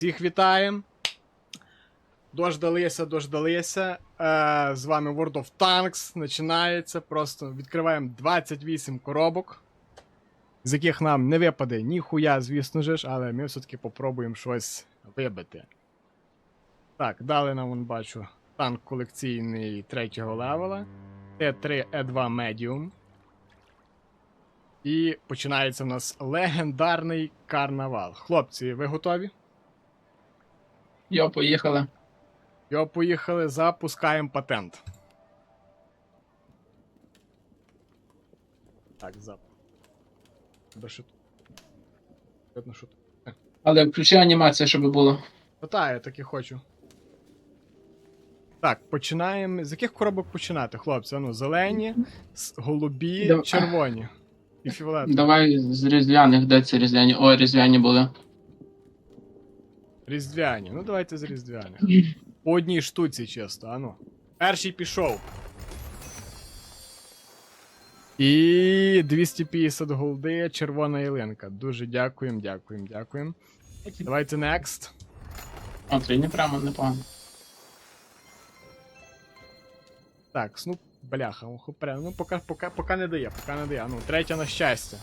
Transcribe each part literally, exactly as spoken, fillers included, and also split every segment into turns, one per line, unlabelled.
Всіх вітаємо. Дождалися, дождалися. Е, з вами World of Tanks. Починається. Просто відкриваємо двадцять вісім коробок, з яких нам не випаде ніхуя, звісно ж, але ми все-таки попробуємо щось вибити. Так, дали нам, вон, бачу, танк колекційний третього левела. Т три Е два Medium. І починається в нас легендарний карнавал. Хлопці, ви готові?
Йо, поїхали.
Йо, поїхали, запускаємо патент. Так, зап. Де що тут? Видно, що тут. Е.
Але включи анімацію, щоб було.
Ну та, я так і хочу. Так, починаємо. З яких коробок починати, хлопці? Ну, зелені, с- голубі,
Дав-
червоні. І фіолетові.
Давай з різдвяних, де ці різдвяні? О, різдвяні були.
Різдвяні. Ну, давайте з різдвяних. По одній штуці, чисто, а ну. Перший пішов. І двісті п'ятдесят голди, червона ялинка. Дуже дякуємо, дякуємо, дякуємо. Давайте next.
О, трійні прямо, непогано.
Так, ну, бляха, охопре. Ну, поки, поки, поки не дає, поки не дає. Ну, третя на щастя.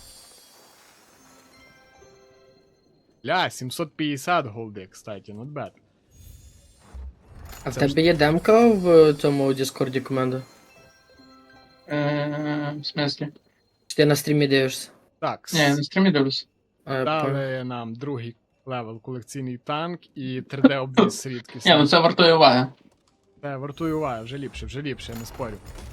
Ля, сімсот п'ятдесят голди, кстати, not bad.
А в
Це ж-
тебе є демка в цьому Діскорді команди?
Е, в смислі?
Чи ти на стрімі дивишся?
Так,
Ні, я на стрімі дивлюсь.
А, я понял.
дали нам другий левел колекційний танк і три де обвіз рідкісний.
Ні, ну це вартує уваги.
Це вартує уваги, вже ліпше, вже ліпше, я не спорю.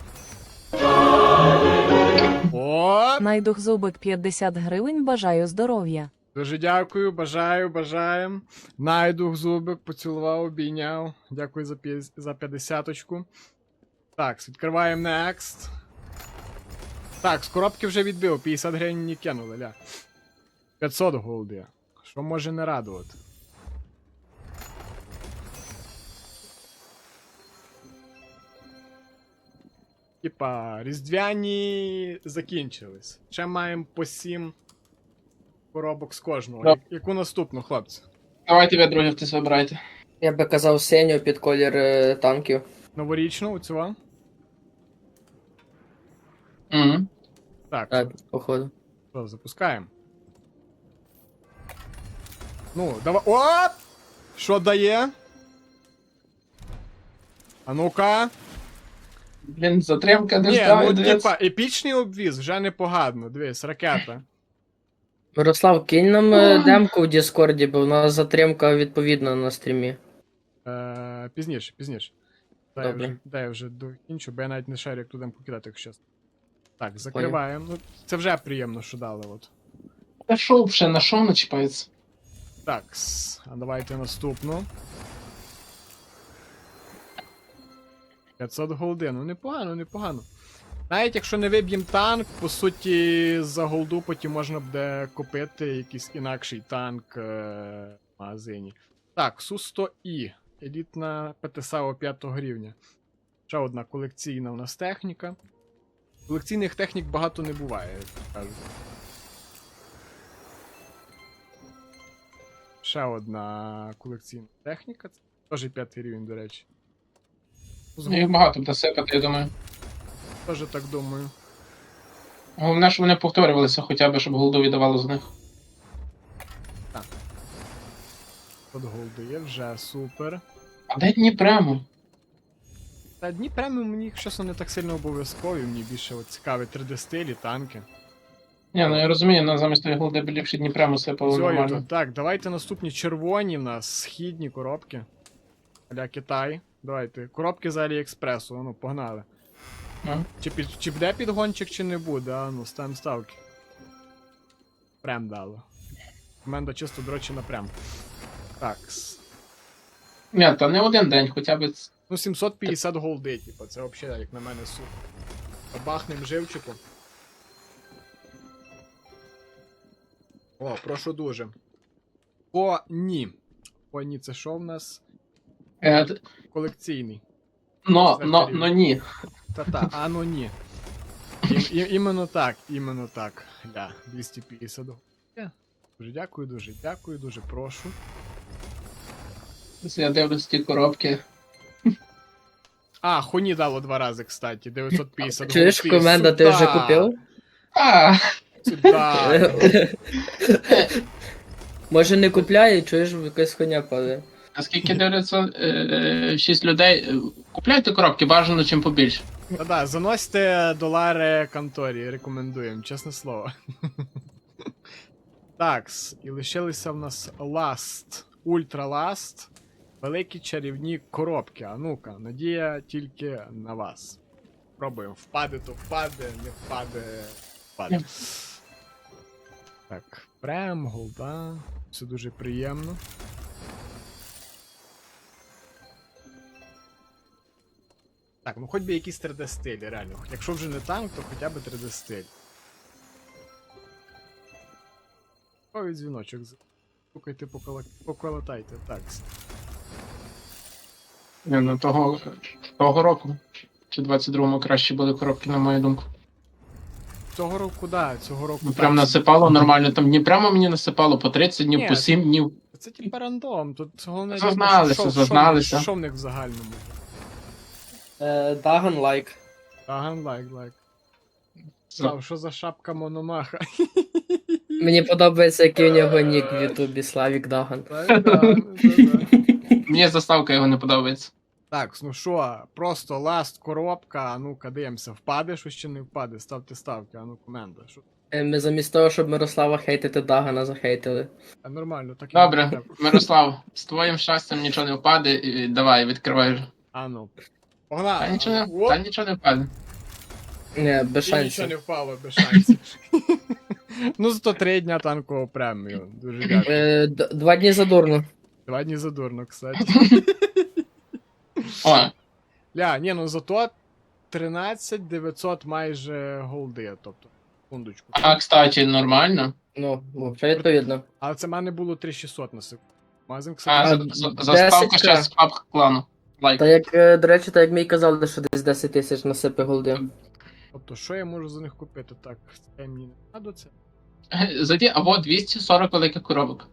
О!
Найдухзубик п'ятдесят гривень, бажаю здоров'я.
Дуже дякую, бажаю, бажаємо. Найдух зубик, поцілував, обійняв. Дякую за, п'я- за п'ятдесяточку. Так, відкриваємо next. Так, з коробки вже відбив, п'ятдесят гривень не кинули, ля. п'ятсот голди. Що може не радувати? Типа, різдвяні закінчились. Ще маємо по сім коробок з кожного.
Да.
Я- Яку наступну, хлопці?
Давайте ви друзі хтось вибирайте.
Я би казав синю під колір е, танків.
Новорічну, оцю вам?
Угу.
Так,
Так, походу.
що, запускаємо. Ну, давай. О! Що дає? А ну-ка.
Блін, затримка не
Ні,
ждаю,
ну
дивись.
типа, епічний обвіз, вже непогано. Дивись, ракета.
Мирослав, кинь нам е, демку в Діскорді, бо в нас затримка відповідна на стрімі.
Е, пізніше, пізніше. Дай я
Добре.
вже, дай я вже докінчу, бо я навіть не шарю, як туди покидати, якщо чесно. Так, закриваємо. Ну, це вже приємно, що дали, от.
Та шоу ще на шоу начіпається.
Так, с- а давайте наступну. п'ятсот голди, ну непогано, непогано. Навіть якщо не виб'єм танк, по суті, за голду потім можна буде купити якийсь інакший танк е- в магазині. Так, Су сто І. Елітна ПТСАО п'ятого рівня. Ще одна колекційна у нас техніка. Колекційних технік багато не буває, як кажуть. Ще одна колекційна техніка. Це теж п'ятий рівень, до речі. З
Їх багато буде сипати, я думаю.
Теж так думаю.
Головне, щоб вони повторювалися хоча б, щоб голду віддавало з них.
От голди є, вже супер.
А де дні прямо?
Та дні преміум мені, якщо чесно, не так сильно обов'язкові, мені більше от цікаві три де стилі, танки.
Ні, ну я розумію, на замість тої голди б ліпше дні прямо сипало
Зою,
нормально.
то, так, давайте наступні червоні в нас, східні коробки. Аля Китай. Давайте. Коробки з Аліекспресу, ну, погнали.
Ну.
Чи, під, чи буде підгончик, чи не буде, а ну, ставимо ставки. Прям дало. Команда чисто дрочі напрям. Так.
Ні, та не один день, хоча б.
Ну, сімсот п'ятдесят голди, типу, це взагалі, як на мене, супер. Бахнем живчику. О, прошу дуже. Поні. Поні, це що в нас?
Е, т-
Колекційний.
но, но, но ні.
Та-та, а ну ні. І, і, іменно так, іменно так. Ля, двісті п'ятдесят. Е, Дуже дякую, дуже дякую, дуже прошу.
Я дивлюсь ті коробки.
А, хуні дало два рази, кстати. дев'ятсот п'ятдесят
Чуєш,
голди.
команда, ти вже
Сюда!
купив?
А,
Сюда!
Може не купляє, чуєш, якась хуйня падає.
наскільки дивляться, е, шість людей. е, Купляйте коробки, бажано чим побільше.
Та-да, заносьте долари конторі, рекомендуємо, чесне слово. Такс, і лишилися в нас Last, Ultra Last, великі чарівні коробки. А ну-ка, надія тільки на вас. Пробуємо. Впаде, то впаде, не впаде, впаде. Так, прем, голда. Все дуже приємно. Так, ну хоч би якісь три де стилі, реально. Якщо вже не танк, то хоча б три де стиль. Ой, дзвіночок. Стукайте, поколотайте. Так.
Ні, ну того, того року. Чи двадцять другому краще були коробки, на мою думку.
Цього року, да, цього року.
Ну,
так.
прям насипало нормально, там не прямо мені насипало по тридцять днів,
Ні,
по сім днів.
Це типа рандом, тут головне...
Зазналися,
що- що-
зазналися.
Що в них в загальному?
Е, Даган лайк.
Аган лайк, лайк. Слав, що за шапка Мономаха?
Мені подобається, який у нього нік в Ютубі, Славік Даган.
Так, да, да, да.
Мені заставка його не подобається.
Так, ну що, просто ласт коробка, а ну-ка дивимося, впаде, що ще не впаде, ставте ставки, а ну команда. Що?
Е, Ми замість того, щоб Мирослава хейтити, Дагана захейтили.
А нормально, так і
Добре,
треба.
Мирослав, з твоїм щастям нічого не впаде, і давай, відкривай вже.
А ну. Погнали.
Та нічого, не-
Оп,
та нічого не впаде.
Не, без
і нічого
шансів.
не впало, без шансів. Ну, зато три дня танкового премію. Дуже дякую.
Е, д- Два дні задурно.
Два дні задурно, кстати.
О,
Ля, ні, ну зато тринадцять дев'ятсот майже голди, тобто, секундочку.
а, кстати, нормально.
Ну, взагалі відповідно.
Але це в мене було три шістсот на секунду. Магазин,
А,
кстати,
за, за,
десять
заставка
ка.
ще з паб клану. Лайк.
Та як, е, до речі, так як мій казали, що десь десять тисяч насипи голди.
тобто, що я можу за них купити? Так, це мені не треба це.
Зайди, або двісті сорок великих коробок.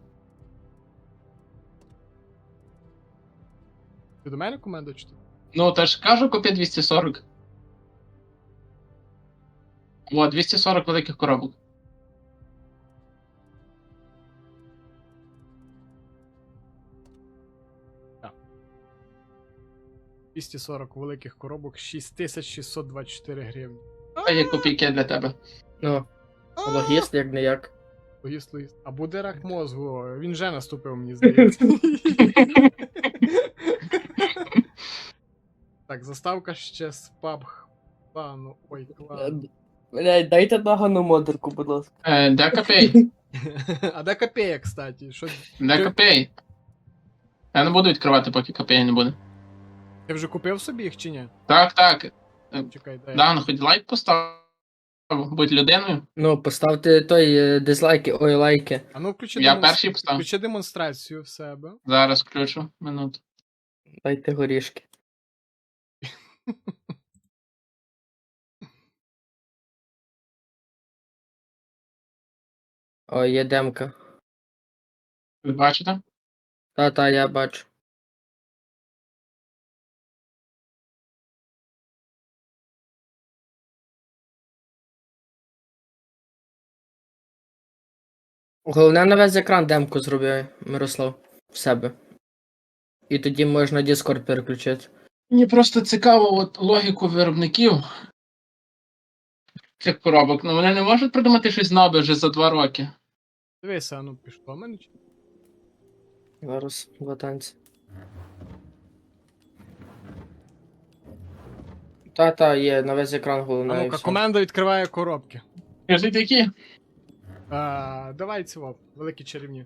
Ти до мене команда чи ти?
Ну, та ж кажу, купи двісті сорок. О, двісті сорок великих коробок.
двісті сорок великих коробок, шість тисяч шістсот двадцять чотири гривні.
Це є копійки для тебе.
Ну, логіст, як не як.
Логіст, логіст. А буде рак мозгу, він вже наступив, мені здається. Так, заставка ще з паб клану. Ой, клану.
Блядь, дайте Дагану модерку, будь ласка.
Е, де копій?
А де копея, кстати? Що...
Де копій? Я не буду відкривати, поки копій не буде.
Ти вже купив собі їх чи ні?
Так, так.
Чекай, дай.
Да, ну хоч лайк постав. Будь людиною.
Ну, поставте той е, дизлайки, ой, лайки.
А ну включи,
Я
демонс-
перший поставив.
включи демонстрацію в себе.
Зараз включу. Минуту.
Дайте горішки. О, є демка.
Ви бачите?
Та-та, я бачу. Головне на весь екран демку зроби, Мирослав, в себе. І тоді можна Discord переключити.
Мені просто цікаво от логіку виробників цих коробок. Ну вони не можуть придумати щось нове вже за два роки.
Дивися, а ну пішло в мене чи?
Зараз, два танці. Та-та, є, на весь екран
А
головне. і
ну-ка,
все.
команда відкриває коробки.
Скажіть, які?
А, давай цього, великий чарівник.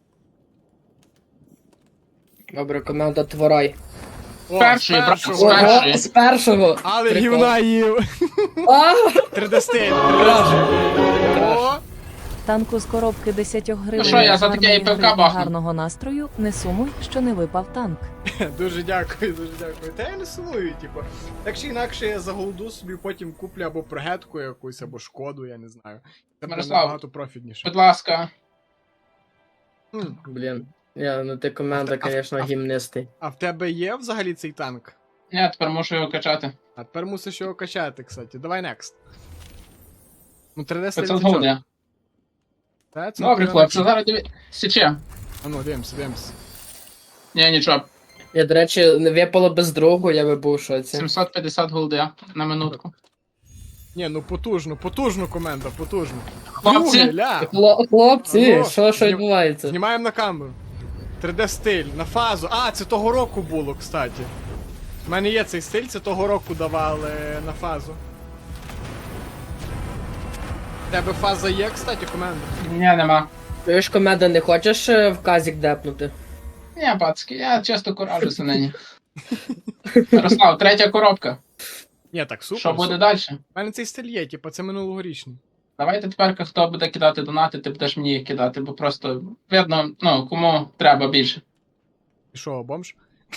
Добре, команда Творай.
О,
Перший,
з
брат,
першого.
з першої.
Ого, з першого!
Але
Прикол.
гівна їв.
А!
три де стиль. О,
Танку з коробки десять гривень.
що, я за таке
гарної
і пивка
гри,
бахну.
гарного настрою. Не сумуй, що не випав танк.
дуже дякую, дуже дякую. Та я не сумую, типу. Так чи інакше я за голду собі потім куплю або прогетку якусь, або шкоду, я не знаю. Це буде
Мирослав,
набагато профітніше.
Будь ласка.
М,
Блін. Я, ну ти команда,
А в- а в-
звісно,
а в-
гімнистий.
А в тебе є взагалі цей танк?
Я тепер мушу його качати.
А тепер мусиш його качати, кстати. Давай next. Ну, три Д стиль
п'ятсот
це чого?
голди.
Та, це
Добре,
прям-
хлопці, зараз диві... Січе.
А ну, дивимося, дивимося.
Ні, нічого.
Я, до речі, не випало без другу, я би був у шоці.
сімсот п'ятдесят голди на минутку.
Ні, ну потужно, потужно команда, потужно.
Хлопці,
Друге, ля!
Хло- Хлопці,
Алло,
що, що
знім-
відбувається?
Знімаємо на камеру. три Д стиль, на фазу. А, це того року було, кстати. У мене є цей стиль, це того року давали на фазу. У тебе фаза є, кстати, команда?
ні, нема.
Ти ж команда не хочеш е, в казік депнути?
Ні, пацки, я часто куражуся нині. Ярослав, третя коробка.
Ні, так супер.
Що буде
супер.
далі?
У мене цей стиль є, типу, це минулогорічний.
Давайте тепер, хто буде кидати донати, ти будеш мені їх кидати, бо просто видно, ну, кому треба більше.
І що, бомж?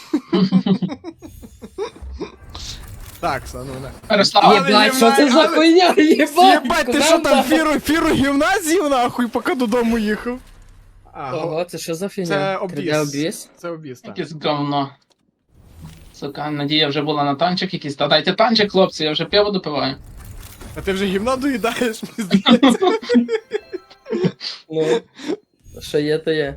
Так, са, ну не.
Ярослав,
Але
Єбать, що це
єбать,
за
але-
хуйня? Єбать,
Єбать, ти що
команда!
там фіру, фіру гівна з'їв нахуй, поки додому їхав? А, го-
Ого, це що за фігня?
це
три Д
обвіс.
обвіс?
Це обіс, так.
якесь говно. Сука, надія вже була на танчик якийсь. Та дайте танчик, хлопці, я вже пиво допиваю.
А ти вже гівна доїдаєш, мені здається.
Ну, що є, то є.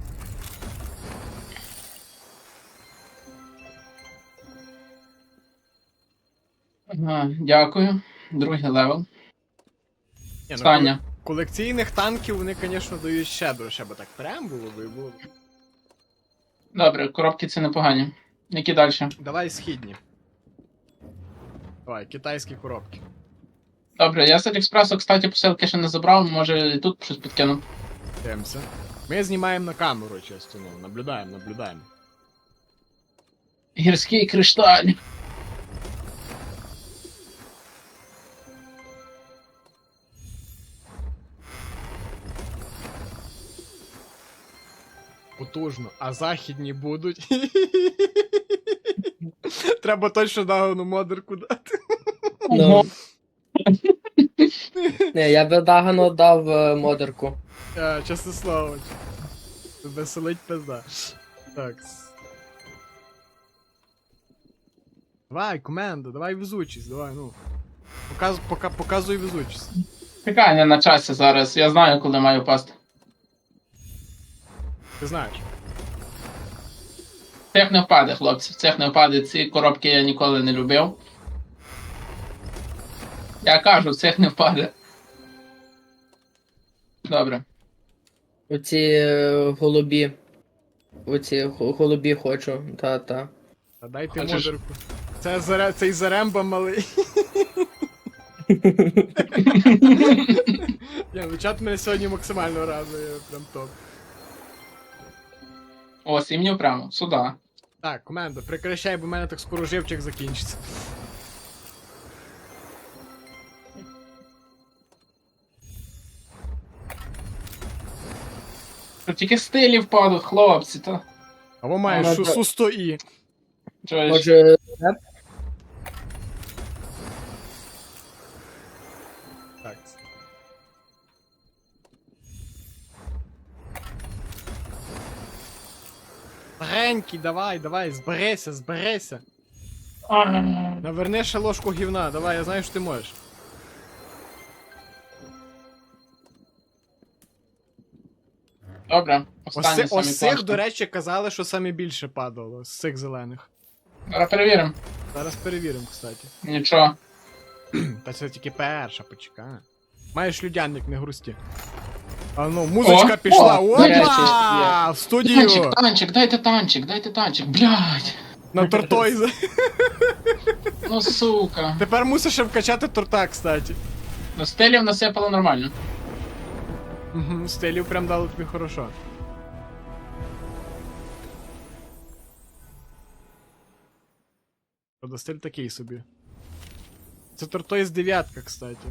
Ага, дякую. Другий левел.
Ні, ну,
Саня.
колекційних танків вони, звісно, дають щедро, ще бо так прям було би і було.
Добре, коробки ці непогані. Які далі?
Давай східні. Давай, китайські коробки.
Добре, я з Аліекспресу, кстати, посилки ще не забрав, може і тут щось підкину.
Дивимося. Ми знімаємо на камеру, чесно, ну, наблюдаємо, наблюдаємо.
Гірський кришталь.
Потужно. А західні будуть. Треба точно Дагону модерку дати.
Ну. Не, я би Дагану дав е, модерку.
Е, Чесне слово. Веселить пизда. Так. Давай, команда, давай везучість, давай, ну. Показ, пока, показуй везучість.
Чекай, не на часі зараз, я знаю, коли маю пасти.
Ти знаєш.
Цех не впаде, хлопці, цех не впаде, ці коробки я ніколи не любив. Я кажу, цех не впаде. Добре.
Оці е, голубі. Оці го- голубі хочу, та-та.
Та дайте
Хочеш?
модерку. Це заре, цей заремба малий. Я, ну чат мене сьогодні максимально радує, прям топ.
О, сім'ю прямо, сюди.
Так, команда, прекращай, бо в мене так скоро живчик закінчиться.
Тут тільки стилі впадуть, хлопці, то.
Або маєш
А,
шу-
да.
су сто і.
Чуєш?
Може, реп?
Так. Старенький, давай, давай, зберися, зберися.
А,
Наверни ще ложку гівна, давай, я знаю, що ти можеш.
Добре, останні
Ось,
самі
ось цих,
класні.
до речі, казали, що саме більше падало з цих зелених.
Зараз перевіримо.
Зараз перевіримо, кстати.
Нічого.
Та це тільки перша, почекай. Маєш людяник, не грусті. А ну, музичка
О,
пішла.
о,
Опа!
є.
В студію!
Танчик, танчик, дайте танчик, дайте танчик, блядь.
На тортойзе.
Ну сука.
Тепер мусиш ще вкачати торта, кстати.
Ну стилів насипало нормально.
Угу, стилів прям дало тобі хорошо. Правда, стиль такий собі. Це тортойз дев'ятка, кстати.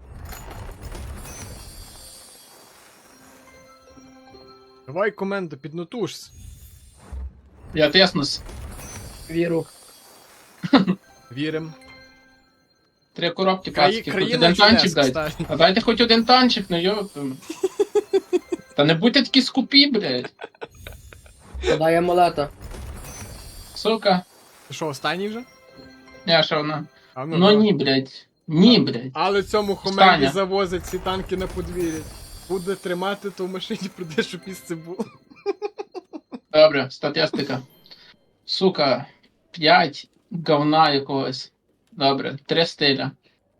Давай, команда, піднатужся.
Я тиснусь.
Віру.
Вірим.
Три коробки,
Краї,
пацки, хоч
країна
один танчик
чудес,
дайте.
кстати.
А дайте хоч один танчик, ну йоп. Та не будьте такі скупі, блядь.
Подай амулета.
Сука.
Ти що, останній вже?
Я що вона?
А,
Ну
давай.
ні, блядь. Ні, блядь.
Але цьому Хомені
Останнє.
завозять ці танки на подвір'я. Буде тримати, то в машині прийде, щоб місце було.
Добре, статистика. Сука, п'ять говна якогось. Добре, три стиля.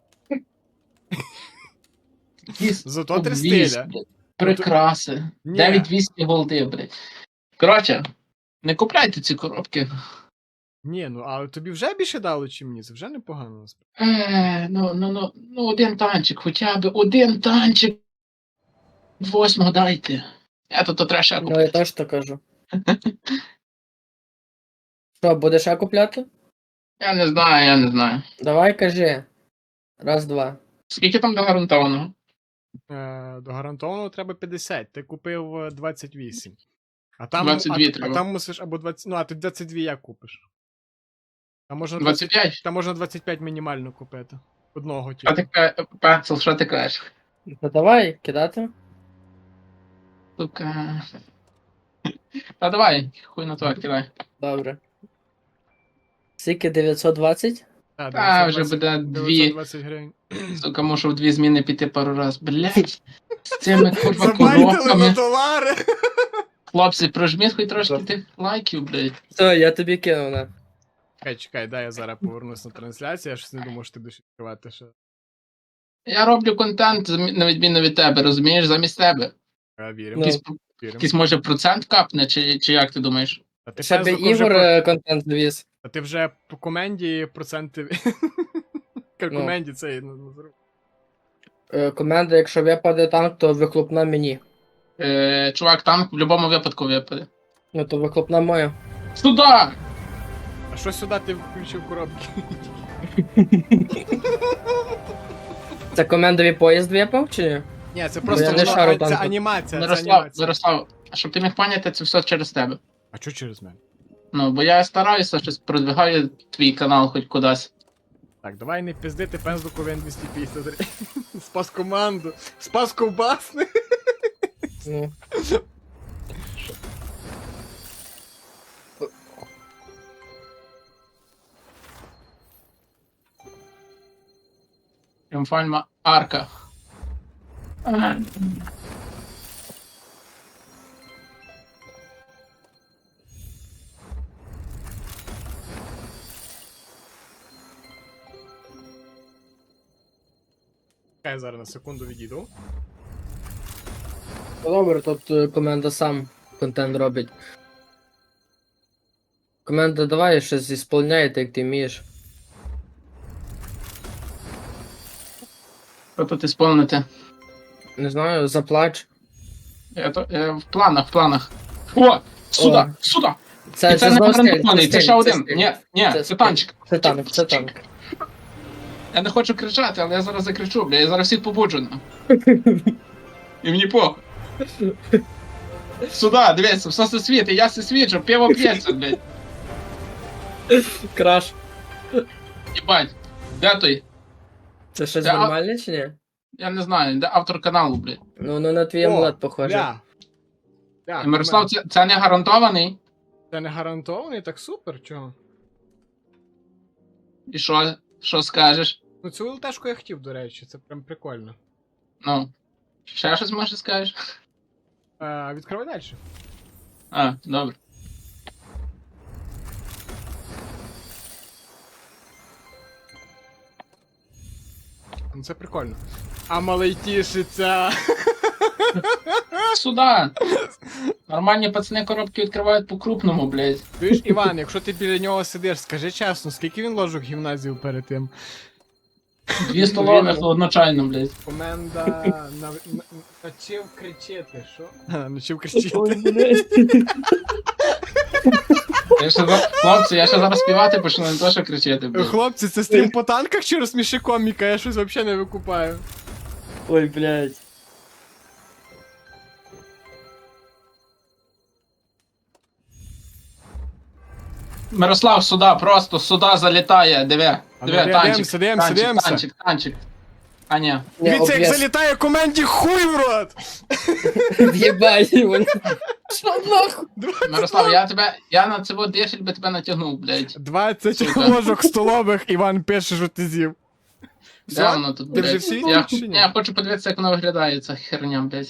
Якісь
Зато три
обвіз,
стиля.
блядь, прикраси.
Ні.
дев'ять двісті голди, блядь. Коротше, не купляйте ці коробки.
Ні, ну але тобі вже більше дало, чи мені? Це вже непогано. насправді.
Е, ну, ну, ну, ну, один танчик, хоча б один танчик. Восьмого дайте. Я тут то треба ще
Ну,
купити.
я теж так кажу. Що, будеш ще купляти?
Я не знаю, я не знаю.
Давай кажи. Раз, два.
Скільки там до гарантованого?
Е, до гарантованого треба п'ятдесят, ти купив е, двадцять вісім. А там,
двадцять дві
а,
треба.
а там мусиш або двадцять, ну а ти двадцять два як купиш? Там можна
двадцять п'ять?
Там можна двадцять п'ять мінімально купити. Одного
Що
тільки.
ти ка- Пенсил, що ти кажеш?
Ну давай, кидати.
Сука. Та давай, хуй на то, кидай.
Добре. Скільки дев'ятсот двадцять?
Так,
Та вже
дев'ятсот
буде
двадцять
дві.
дев'ятсот двадцять гривень.
Сука, мушу в дві зміни піти пару раз. Блять. З цими курва
Забайтили на
коробками.
долари!
Хлопці, прожміть хоч трошки тих лайків, блять.
Все, я тобі кинув на.
Чекай, чекай, дай я зараз повернусь на трансляцію, я щось не думав, що ти будеш відкривати ще.
Я роблю контент, замі- на відміну від тебе, розумієш, замість тебе.
Я віримо,
Ну.
Якийсь,
віримо.
якийсь може процент капне, чи, чи як ти думаєш?
А ти,
Щоб
Пензлику, вже
Ігор
про-
е, контент завіз.
а ти вже по коменді проценти... По
Ну.
коменді цей ну, ну, зроб.
Е, Команда, якщо випаде танк, то вихлопна мені.
Е, чувак, танк в будь-якому випадку випаде.
Ну то вихлопна моя.
Сюда!
А що сюди ти включив коробки?
Це комендовий поїзд випав чи ні?
Ні, це
я
просто
не
воно-
шарю
а, це
танку.
анімація, це
Мирослав,
анімація.
Мирослав, щоб ти міг поняти, це все через тебе.
А чого через мене?
Ну, бо я стараюся, щось продвигаю твій канал хоч кудись.
Так, давай не пиздити пензлику він двісті п'ятдесят три. Спас команду. Спас ковбасни.
Ну.
Тріумфальна арка. Ага.
Чекай, я зараз на секунду відійду.
Ну, добре, тут е, команда сам контент робить. Команда, давай щось ісполняйте, як ти вмієш.
Що тут ісполнити?
Не знаю, заплач.
Я, то, я в планах, в планах. О! Сюди!
О.
Сюди!
Це,
І це не
знову стиль,
гарантований, це
стиль,
ще один.
стиль.
Ні, ні,
Це
це
стиль.
танчик.
Це танк, це танк.
Я не хочу кричати, але я зараз закричу, бля, я зараз всіх побуджу. на. І мені похуй. Сюди, дивіться, все се світить, я се свіджу, пиво п'ється, блядь.
Краш.
Єбать. Де той?
Це щось
Це а-
нормальне чи ні?
Я не знаю, де автор каналу, блядь.
Ну, ну на твій
О,
амулет похоже.
Ля. Ля,
Мирослав, це, це не гарантований.
Це не гарантований, так супер, чого?
І що? Що скажеш?
Ну цю ЛТшку я хотів, до речі, це прям прикольно.
Ну. Ще щось може скажеш?
А, відкривай далі.
А, добре.
Ну це прикольно. А малий тішиться.
Сюда! Нормальні пацани коробки відкривають по-крупному, блядь.
Чуєш, Іван, якщо ти біля нього сидиш, скажи чесно, скільки він ложок гімназію перед тим?
Дві столових одночайно, блядь.
Команда на... на... навчив кричити, що? А, навчив кричити.
Ой, блядь.
Я ще за... Хлопці, я ще зараз співати почну, не то що кричати, блядь.
Хлопці, це стрім по танках чи розсміши коміка? Я щось взагалі не викупаю.
Ой, блядь.
Мирослав, сюда, просто сюда залітає, диви.
А
Диви,
ну,
танчик,
дивимося, дивимося,
танчик,
дивимося.
танчик, танчик. А, ні.
Ні,
Дивіться, як
обв'яз.
залітає команді хуй в рот!
В'єбай, вони. Що нахуй?
Мирослав, я тебе, я на цього дешель би тебе натягнув, блядь.
двадцять
Сука.
ложок столових, Іван пише, що ти з'їв.
Де
Все?
воно тут,
Ти вже
блядь?
всі
Я,
чи ні?
я хочу подивитися, як воно виглядає, ця херня, блядь.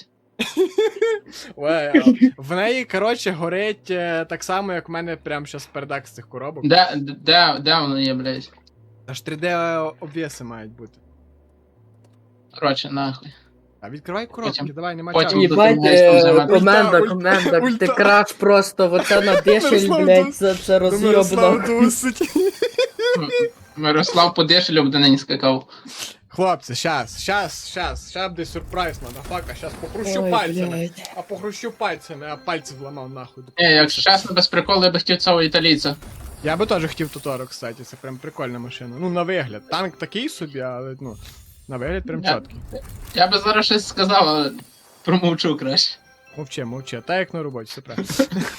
Ой, в неї, коротше, горить е, так само, як в мене прямо зараз передак з цих коробок.
Де, де, де воно є, блядь?
Аж три де обвіси мають бути.
Коротше, нахуй.
А відкривай коробки,
Потім-
давай, нема
потім
часу.
їб-
Їбать,
Ультра,
е,
ультра,
команда,
ультра,
команда,
ультра.
ти краш просто, оце на дешель,
Мирослав
блядь,
Дус-
це, це
Мирослав
роз'єбно.
дусить.
Мирослав по дешелю буде нині скакав.
Хлопці, щас, щас, щас, щас буде сюрприз, мадафака, щас похрущу
Ой,
пальцями.
блядь.
А похрущу пальцями, а пальці вламав нахуй.
Ні, якщо чесно, без приколу, я би хотів цього італійця.
Я би теж хотів Тоторо, кстати, це прям прикольна машина. Ну, на вигляд. Танк такий собі, але ну, на вигляд прям
Я-
чіткий.
Я би зараз щось сказав, але промовчу краще.
Мовчи, мовчи, так як на роботі, все правильно.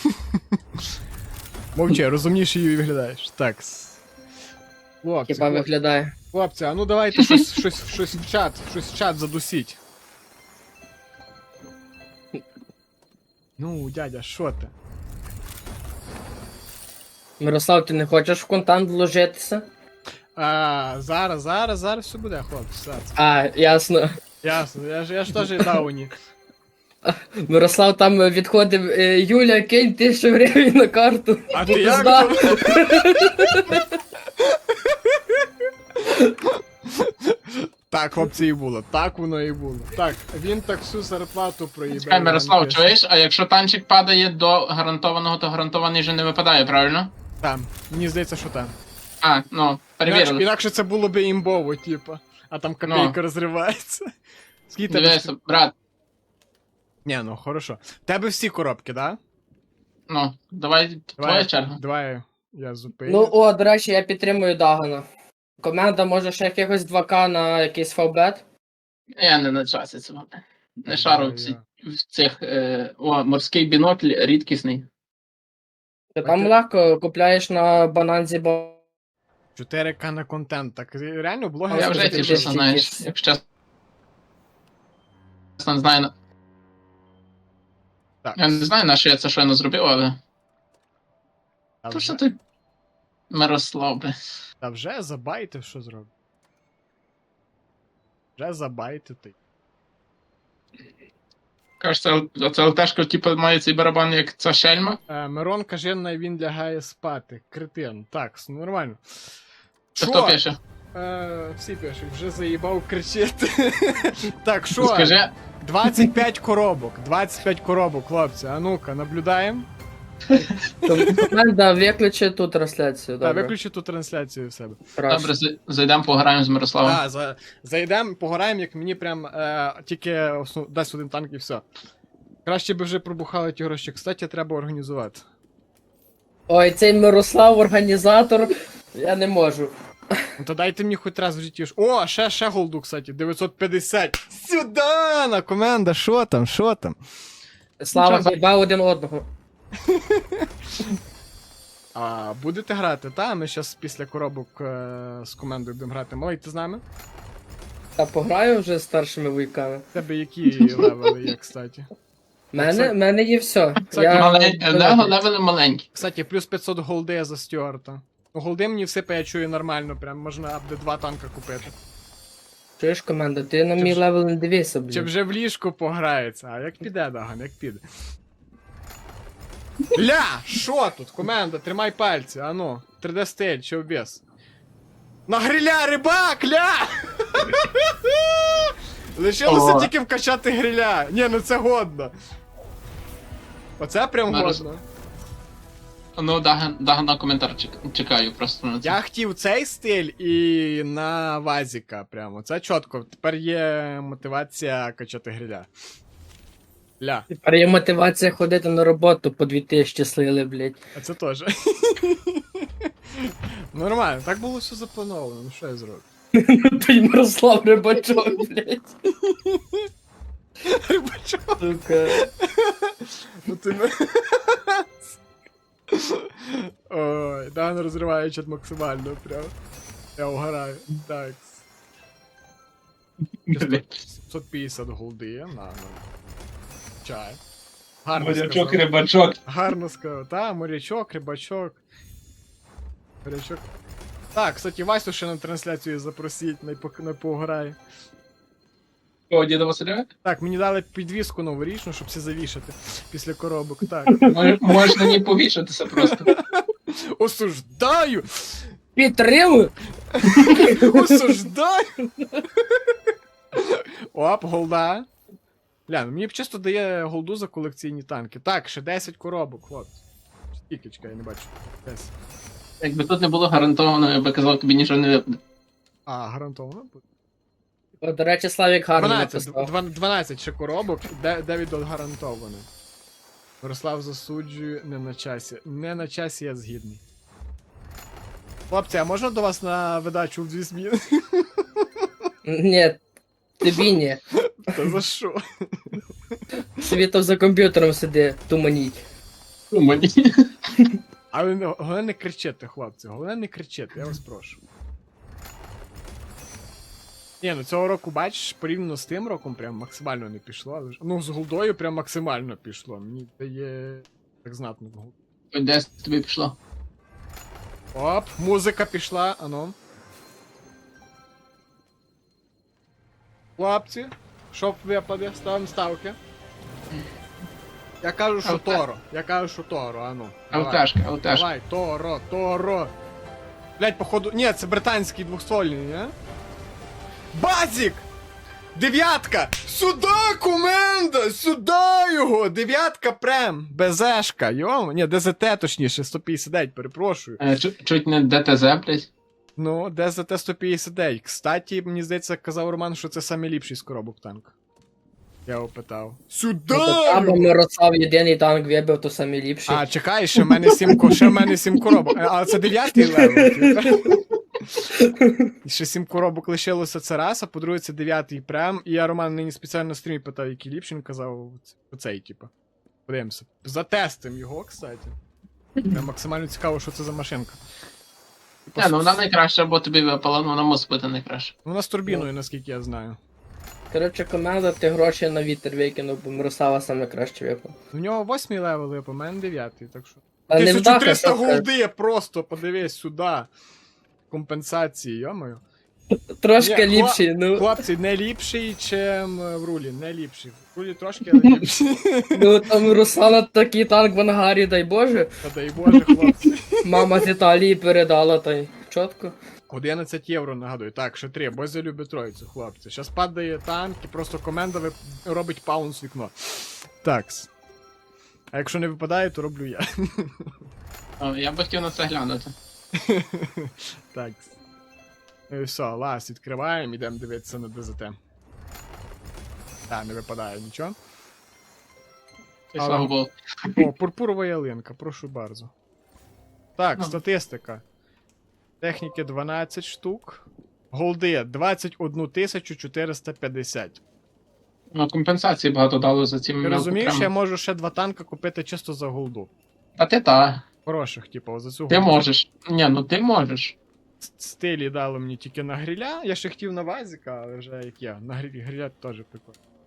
Мовчи, розумніше її виглядаєш. Так. с- Хлопці,
Хіба
хлопці,
виглядає.
хлопці, а ну давайте щось, щось, щось в чат, щось в чат задусіть. Ну, дядя, що ти?
Мирослав, ти не хочеш в контент вложитися?
А, зараз, зараз, зараз все буде, хлопці, зараз.
А, ясно.
Ясно, я ж, я ж теж дауні.
Мирослав там відходив, е, Юля, кинь тисячу гривень на карту.
А ти як?
Пизда.
там? Так, хлопці, і було. Так воно і було. Так, він так всю зарплату проїбав.
Чекай, Мирослав, чуєш? А якщо танчик падає до гарантованого, то гарантований вже не випадає, правильно?
Там, мені здається, що там.
А, ну,
Інакше,
перевірили.
інакше це було би імбово, типа. А там копійка
Ну.
розривається. Скільки тебе?
Дивися, брат,
Ні, ну хорошо. Тебе всі коробки, да?
ну, давай, твоя черга.
Давай я зупиню.
Ну, о, до речі, я підтримую Дагана. Команда може ще якихось два ка на якийсь фавбет.
Я не на часі цього. Не шару в, ці,
Я-
в цих. Е, о, морський бінокль рідкісний.
Ти там
ти-
легко купляєш на бананзі, бо
чотири ка на контент. Так реально
А
блогер.
я вже
скажи,
тішуся,
ти
знаєш,
тішишся.
якщо чесно, не знаю. на-
Так.
Я не знаю, на що я це щойно зробив, але.
Та
То що
вже,
ти. Мирослав, бля.
та вже забайтив, що зробив. Вже забайтити.
Кажеш, це, це ЛТшка, типу, має цей барабан, як ця шельма.
Е, Мирон каже, най він лягає спати. Кретин. Так, с- нормально.
Це
Шо?
хто пише?
Е, всі пишуть, вже заїбав кричити. Так, що?
Скажи,
двадцять п'ять коробок. двадцять п'ять коробок, хлопці. А ну-ка, наблюдаємо.
то команда виключить ту трансляцію.
Так,
Добре.
виключу ту трансляцію в себе.
Краще.
добре, зай- зайдемо пограємо з Мирославом.
Так, за, зайдемо, пограємо, як мені прям е, тільки основ, дасть один танк і все. Краще би вже пробухали ті гроші. Кстати, треба організувати.
Ой, цей Мирослав, організатор. Я не можу.
Ну то дайте мені хоч раз в житті. ж- О, ще, ще голду, кстати, дев'ятсот п'ятдесят. Сюда, на команда, що там, що там?
Слава
Нічого,
хіба один одного.
А будете грати, та? Ми зараз після коробок е, з командою будемо грати. Малий, ти з нами?
Та пограю вже з старшими вуйками.
В тебе які левели є, кстати?
Мене, мене є все.
Кстати,
Я...
Малень... Лего левели маленькі.
Кстати, плюс п'ятсот голди за Стюарта. Ну, голди мені всипе, я чую нормально, прям можна буде два танка купити.
Чуєш, команда, ти на
Чи
мій
вже-
левел не дивися,
Чи
блін.
вже в ліжку пограється? А як піде, Даган, як піде? Ля! Що тут? Команда, тримай пальці, ану. три де стиль, чи обвес? На гриля, рибак, ля! Лишилося
О.
тільки вкачати гриля. Ні, ну це годно. Оце прям
Мороз-
годно.
Ну, Даган, Даган на коментар чек- чекаю просто на це.
Я хотів цей стиль і на Вазіка прямо. Це чітко. Тепер є мотивація качати гриля. Ля,
Тепер є мотивація ходити на роботу по дві тисячі слили, блядь.
а це теж. Нормально, так було все заплановано, ну що я зроблю?
Той Мирослав Рибачок, блядь.
Рибачок,
Сука.
ну ти не... Ой, Дан розриває чат максимально, прям. Я угораю. Так.
Блядь.
сімсот п'ятдесят голди, на, на. Чай. Гарно
Морячок,
сказав.
рибачок.
Гарно сказав. Та, морячок, рибачок. Морячок. Так, кстати, Васю ще на трансляцію запросіть, не, по, не пограє.
О, діда Василя?
Так, мені дали підвіску новорічну, щоб все завішати після коробок. Так.
Мож- Можна не повішатися просто.
Осуждаю!
Підтримую!
Осуждаю! Оп, голда. Ля, ну мені б чисто дає голду за колекційні танки. Так, ще десять коробок, хлопці. Скільки, чекай, я не бачу. десять.
Якби тут не було гарантовано, я би казав, тобі нічого не випаде.
А, гарантовано буде.
О, до речі, Славік гарно
дванадцять,
написав.
дв- дванадцять ще коробок, де- дев'ять гарантований. Мирослав засуджую, не на часі. Не на часі, я згідний. Хлопці, а можна до вас на видачу в дві зміни?
Ні, тобі ні.
Та за що?
Тобі там за комп'ютером сиди, туманіть.
Ну, мені.
Але не- головне не кричити, хлопці, головне не кричити, я вас прошу. Ні, ну цього року, бачиш, порівняно з тим роком прям максимально не пішло, але ж. Ну, з голдою прям максимально пішло. Мені дає так знатно. голд.
Ось десь тобі пішло.
Оп, музика пішла, ану. Хлопці, що випаде, ставимо ставки. Я кажу, що
Алка.
Торо. Я кажу, що Торо, ану. Давай.
Ауташка, ауташка.
Давай, Торо, Торо. Блять, походу. Ні, це британський двохствольний, не? Базік! Дев'ятка! Сюда, команда! Сюда його! Дев'ятка прем! БЗшка, йомо. Ні, ДЗТ точніше, сто п'ятдесят дев'ять, перепрошую.
Е, чу- Чуть не ДТЗ, блядь.
Ну, ДЗТ сто п'ятдесят дев'ять. Кстати, мені здається, казав Роман, що це самий ліпший з коробок танк. Я його питав.
Ну, то
Сюда!
або Мирослав єдиний танк вибив, то самі ліпші.
А, чекай, ще в мене сім, ко- ще в мене сім коробок. Е, А це дев'ятий левел. І ще сім коробок лишилося це раз, а по-друге, це дев'ятий прем. І я Роман нині спеціально на стрімі питав, який ліпший, він казав оцей, типу. Подивимося. Затестим його, кстати. Прям максимально цікаво, що це за машинка. Типу,
Не, ну вона найкраща, бо тобі випала, ну вона мусить бути найкраща.
Вона з турбіною, наскільки я знаю.
Коротше, команда, ти гроші на вітер викинув, бо Мирослава саме краще випав.
У нього восьмий левел, а по мене дев'ятий, так що.
А не вдаха,
тисяча триста
що сказати.
голди просто, подивись сюди. Компенсації, йомою.
Трошки
Ні,
ліпші, ну.
Хлопці, не ліпший, чим в рулі, не ліпший. В рулі трошки, але ліпший.
Ну там Руслана такий танк в ангарі, дай Боже.
Та дай Боже, хлопці.
Мама з Італії передала, та й чітко.
одинадцять євро, нагадую. Так, ще три, бо я люблю троїцю, хлопці. Щас падає танк і просто команда вип... робить паунс вікно. Такс. А якщо не випадає, то роблю я.
О, я би хотів на це глянути.
Такс. Ну і все, ласт відкриваємо, ідемо дивитися на ДЗТ. Так, не випадає нічого.
І
Але-
слава Богу.
О, пурпурова ялинка, прошу bardzo. Так,
Ну.
статистика. Техніки дванадцять штук. Голди двадцять одну тисячу чотириста п'ятдесят.
Ну, компенсації багато дало за ці
Ти розумієш, я
мелкопрями.
можу ще два танка купити чисто за голду.
А ти та.
Хороших, типу, за цю
Ти
голду.
можеш. Ні, ну ти можеш.
С- Стилі дали мені тільки на гриля. Я ще хотів на вазіка, але вже як я. На грилі гриля теж прикольно.